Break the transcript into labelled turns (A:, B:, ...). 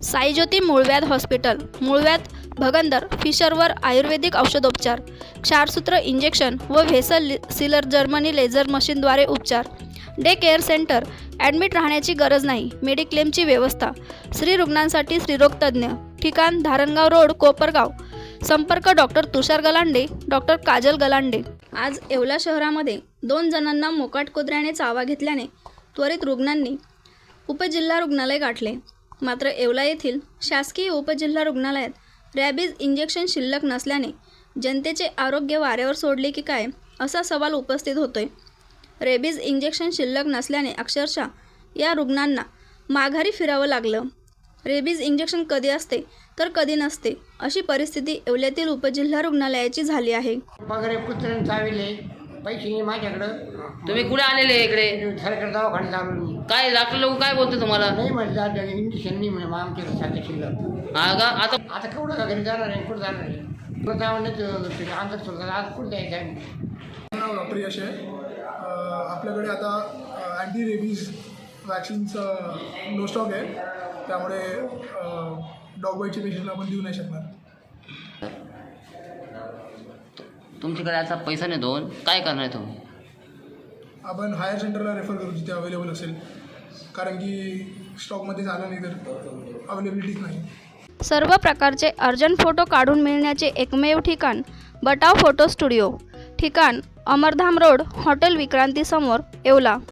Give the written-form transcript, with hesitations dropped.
A: साईज्योती मूळव्याध हॉस्पिटल, मूळव्याध, भगंदर, फिशरवर आयुर्वेदिक औषधोपचार, क्षारसूत्र इंजेक्शन व व्हेसल सीलर जर्मनी लेझर मशीनद्वारे उपचार. डे केअर सेंटर, ॲडमिट राहण्याची गरज नाही. मेडिक्लेमची व्यवस्था. स्त्री रुग्णांसाठी स्त्रीरोग तज्ज्ञ. ठिकाण धारणगाव रोड, कोपरगाव. संपर्क डॉक्टर तुषार गलांडे, डॉक्टर काजल गलांडे. आज येवला शहरामध्ये 2 जणांना मोकाट कुत्र्याने चावा घेतल्याने त्वरित रुग्णांनी उपजिल्हा रुग्णालय गाठले. मात्र येवला येथील शासकीय उपजिल्हा रुग्णालयात रॅबीज इंजेक्शन शिल्लक नसल्याने जनतेचे आरोग्य वाऱ्यावर सोडले की काय असा सवाल उपस्थित होतोय. रेबीज इंजेक्शन शिल्लक नसल्याने अक्षरशः या रुग्णांना माघारी फिरावं लागलं. रेबीज इंजेक्शन कधी असते तर कधी नसते अशी परिस्थिती येवल्यातील उपजिल्हा रुग्णालयाची झाली आहे.
B: वगैरे कुत्र्याने चाविले, पैसे नाही माझ्याकडं.
C: तुम्ही कुठे आलेले इकडे?
B: सरकार दवाखान्यात आलो मी.
C: काय डॉक्टर लोक काय बोलतो तुम्हाला?
B: नाही म्हटलं इंजेक्शन नाही म्हणे, मग आमच्याकडे साध्या शिल्लक.
C: हा का? आता
B: आता केवढं का घरी जाणार आहे, कुठं जाणार आहे? कुठं जावं नाही अंगात सोडतात. आज कुठं जायचं आहे?
D: नाव डॉक्टर यश आहे. आपल्याकडे आता अँटी रेबीज वॅक्सिनचं नो स्टॉक आहे, त्यामुळे डॉग बाईटचे पेशंटला आपण देऊ नाही शकणार.
C: तुमच्याकडे आता पैसा नाही दोन, काय करणार आहे तुम्ही?
D: आपण हायर सेंटरला रेफर करू जिथे अवेलेबल असेल, कारण की स्टॉकमध्ये झालं नाही तर अवेलेबिलिटीच नाही.
A: सर्व प्रकारचे अर्जंट फोटो काढून मिळण्याचे एकमेव ठिकाण बटाव फोटो स्टुडिओ. ठिकाण अमरधाम रोड, हॉटेल विक्रांती समोर, येवला.